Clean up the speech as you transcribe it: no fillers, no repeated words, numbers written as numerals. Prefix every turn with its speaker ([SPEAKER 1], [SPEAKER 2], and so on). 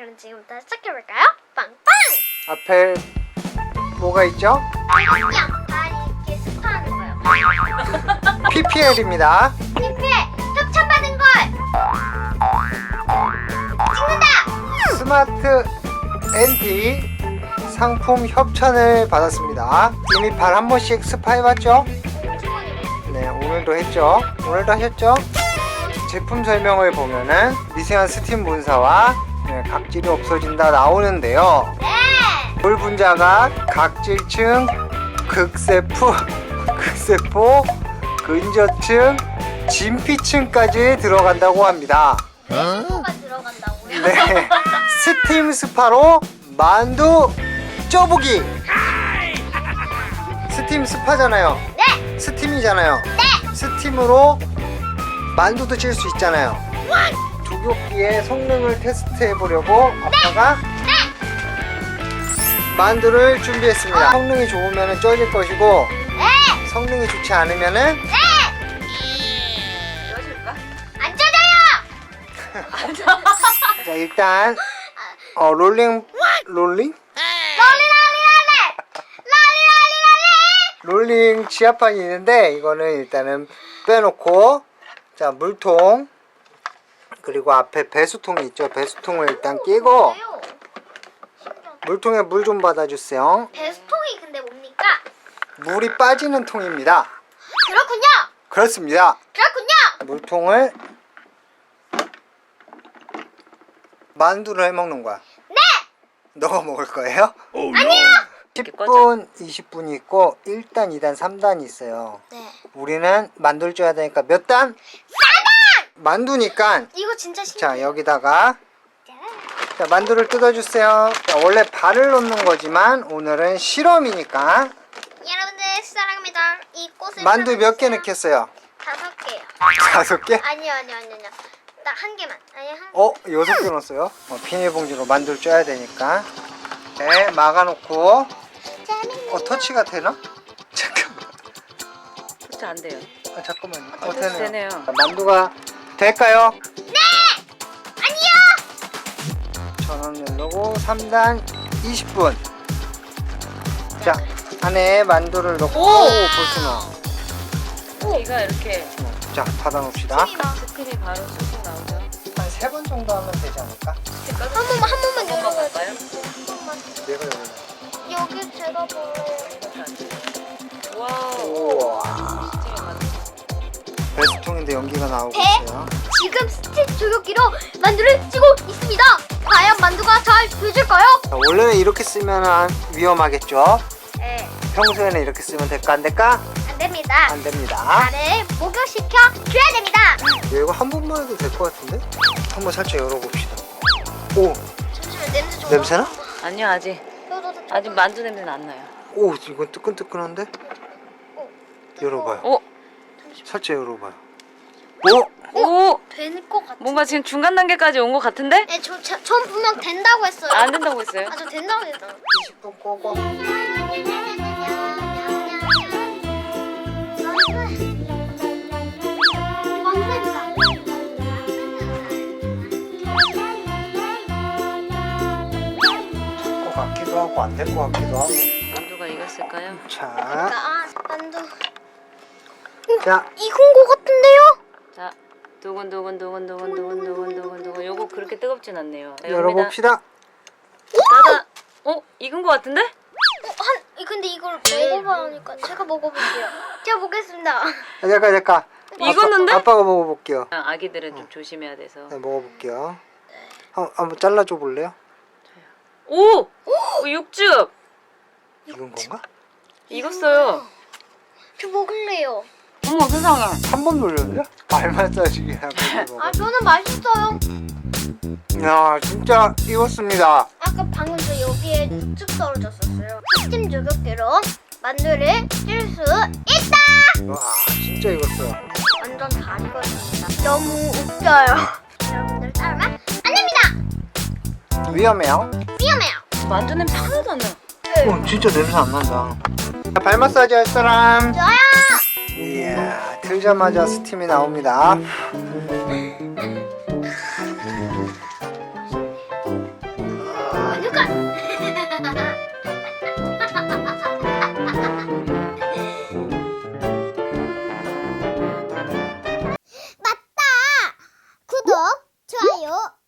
[SPEAKER 1] 그럼 지금부터 시작해볼까요? 빵빵!
[SPEAKER 2] 앞에 뭐가 있죠?
[SPEAKER 1] 그냥 다 이렇게 스파하는 거예요.
[SPEAKER 2] PPL입니다.
[SPEAKER 1] TP에 협찬받은 걸! 찍는다!
[SPEAKER 2] 스마트 NT 상품 협찬을 받았습니다. 이미 발 한 번씩 스파 해봤죠? 네, 오늘도 했죠. 오늘도 하셨죠? 제품 설명을 보면은 미세한 스팀 분사와 각질이 없어진다 나오는데요.
[SPEAKER 1] 네!
[SPEAKER 2] 물 분자가 각질층, 극세포, 근저층, 진피층까지 들어간다고 합니다.
[SPEAKER 1] 뭐가 들어간다고요?
[SPEAKER 2] 네, 스팀 스파로 만두 쪄보기. 스팀 스파잖아요.
[SPEAKER 1] 네!
[SPEAKER 2] 스팀이잖아요.
[SPEAKER 1] 네!
[SPEAKER 2] 스팀으로 만두도 찔 수 있잖아요. 조교기의 성능을 테스트해 보려고 아빠가 만두를 준비했습니다. 성능이 좋으면 쪄질 것이고
[SPEAKER 1] 네!
[SPEAKER 2] 성능이 좋지 않으면은
[SPEAKER 3] 넣어줄까?
[SPEAKER 1] 안 쪄져요!
[SPEAKER 2] 자, 일단 롤링 롤링 지압판이 있는데 이거는 일단은 빼놓고, 자, 물통 그리고 앞에 배수통이 있죠. 배수통을 일단 끼고 물통에 물 좀 받아주세요.
[SPEAKER 1] 배수통이 근데 뭡니까?
[SPEAKER 2] 물이 빠지는 통입니다.
[SPEAKER 1] 그렇군요!
[SPEAKER 2] 그렇습니다.
[SPEAKER 1] 그렇군요!
[SPEAKER 2] 물통을 만두를 해 먹는 거야.
[SPEAKER 1] 네!
[SPEAKER 2] 너가 먹을 거예요?
[SPEAKER 1] 아니요!
[SPEAKER 2] 10분, 20분이 있고 1단, 2단, 3단이 있어요.
[SPEAKER 1] 네.
[SPEAKER 2] 우리는 만두를 쪄야 되니까 몇 단? 4단! 만두니까
[SPEAKER 1] 이거 진짜 신기해요.
[SPEAKER 2] 자, 여기다가 자, 만두를 뜯어주세요. 자, 원래 발을 넣는 거지만 오늘은 실험이니까
[SPEAKER 1] 여러분들 사랑합니다. 이 꽃을
[SPEAKER 2] 만두 몇 개
[SPEAKER 1] 사랑해주세요.
[SPEAKER 2] 넣겠어요?
[SPEAKER 1] 5개요.
[SPEAKER 2] 5개?
[SPEAKER 1] 아니요. 딱 한 개만. 아니 한.
[SPEAKER 2] 6개 넣었어요. 비닐봉지로 만두를 쪄야 되니까. 네, 막아놓고. 터치가 되나? 잠깐만.
[SPEAKER 3] 터치 안 돼요.
[SPEAKER 2] 잠깐만요.
[SPEAKER 3] 터치
[SPEAKER 2] 되네요.
[SPEAKER 3] 되네요.
[SPEAKER 2] 자, 만두가 될까요?
[SPEAKER 1] 네! 아니요!
[SPEAKER 2] 전원 누르고 3단 20분. 자, 안에 만두를 넣고 벌써 넣어.
[SPEAKER 3] 얘가 이렇게
[SPEAKER 2] 자, 닫아놓읍시다.
[SPEAKER 3] 스팀이 바로 쑥쑥 나오죠.
[SPEAKER 2] 한 3번 정도 하면 되지 않을까?
[SPEAKER 1] 한 번만 열어봐요.
[SPEAKER 3] 갈까요?
[SPEAKER 1] 한 번만.
[SPEAKER 2] 내가 열어.
[SPEAKER 1] 여기 제가 뭐.
[SPEAKER 3] 와우.
[SPEAKER 2] 우와.
[SPEAKER 3] 스팀이 만두.
[SPEAKER 2] 배수통인데 연기가 나오고
[SPEAKER 1] 배?
[SPEAKER 2] 있어요.
[SPEAKER 1] 지금 스팀 조격기로 만두를 찌고 있습니다. 과연 만두가 잘 되질까요?
[SPEAKER 2] 자, 원래는 이렇게 쓰면 위험하겠죠?
[SPEAKER 1] 네.
[SPEAKER 2] 평소에는 이렇게 쓰면 될까 안 될까?
[SPEAKER 1] 안 됩니다.
[SPEAKER 2] 안 됩니다.
[SPEAKER 1] 나를 목욕시켜 줘야 됩니다.
[SPEAKER 2] 이거 한 번만 해도 될 것 같은데? 한번 살짝 열어봅시다. 오,
[SPEAKER 1] 잠시만 냄새 좀.
[SPEAKER 2] 냄새나?
[SPEAKER 3] 아니요, 아직 만두 냄새는 안 나요.
[SPEAKER 2] 오, 이건 뜨끈뜨끈한데? 열어봐요.
[SPEAKER 3] 오,
[SPEAKER 2] 살짝 열어봐요. 오!
[SPEAKER 3] 오,
[SPEAKER 1] 될 것 같아.
[SPEAKER 3] 뭔가 지금 중간 단계까지 온 것 같은데?
[SPEAKER 1] 네, 전 분명 된다고 했어요.
[SPEAKER 3] 안 된다고 했어요.
[SPEAKER 1] 저 된다고 했어요.
[SPEAKER 2] 20분 꼬고. 될 것 같기도 하고 안 될 것 같기도 하고.
[SPEAKER 3] 만두가 익었을까요?
[SPEAKER 2] 자,
[SPEAKER 1] 만두.
[SPEAKER 2] 자,
[SPEAKER 1] 익은 것 같은데요?
[SPEAKER 3] 자, 두근두근. 요거 그렇게 뜨겁진 않네요.
[SPEAKER 2] 열어봅시다.
[SPEAKER 3] 닫아. 익은 것 같은데?
[SPEAKER 1] 근데 이걸 먹어봐야 하니까 제가 먹어볼게요. 제가 먹겠습니다.
[SPEAKER 2] 잠깐.
[SPEAKER 3] 익었는데?
[SPEAKER 2] 아빠가 먹어볼게요.
[SPEAKER 3] 아기들은 좀 조심해야 돼서.
[SPEAKER 2] 네, 먹어볼게요. 한번 잘라줘 볼래요?
[SPEAKER 3] 오! 육즙!
[SPEAKER 2] 익은 건가?
[SPEAKER 3] 익었어요.
[SPEAKER 1] 저 먹을래요.
[SPEAKER 3] 어머 세상에.
[SPEAKER 2] 한 번 놀렸네? 알만 싸지게 하고.
[SPEAKER 1] 저는 맛있어요.
[SPEAKER 2] 야, 진짜 익었습니다.
[SPEAKER 1] 아까 방금 저 여기에 쭉 떨어졌었어요. 스팀 조격기로 만두를 찔 수 있다.
[SPEAKER 2] 와, 진짜 익었어요.
[SPEAKER 1] 완전 잘 익었습니다. 너무 웃겨요. 여러분들 따르면 안 됩니다.
[SPEAKER 2] 위험해요.
[SPEAKER 1] 위험해요.
[SPEAKER 3] 만두 냄새 하나도 안 나.
[SPEAKER 2] 진짜 냄새 안 난다. 발 마사지 할 사람?
[SPEAKER 1] 저요.
[SPEAKER 2] 이야, 틀자마자 스팀이 나옵니다.
[SPEAKER 1] 좋아요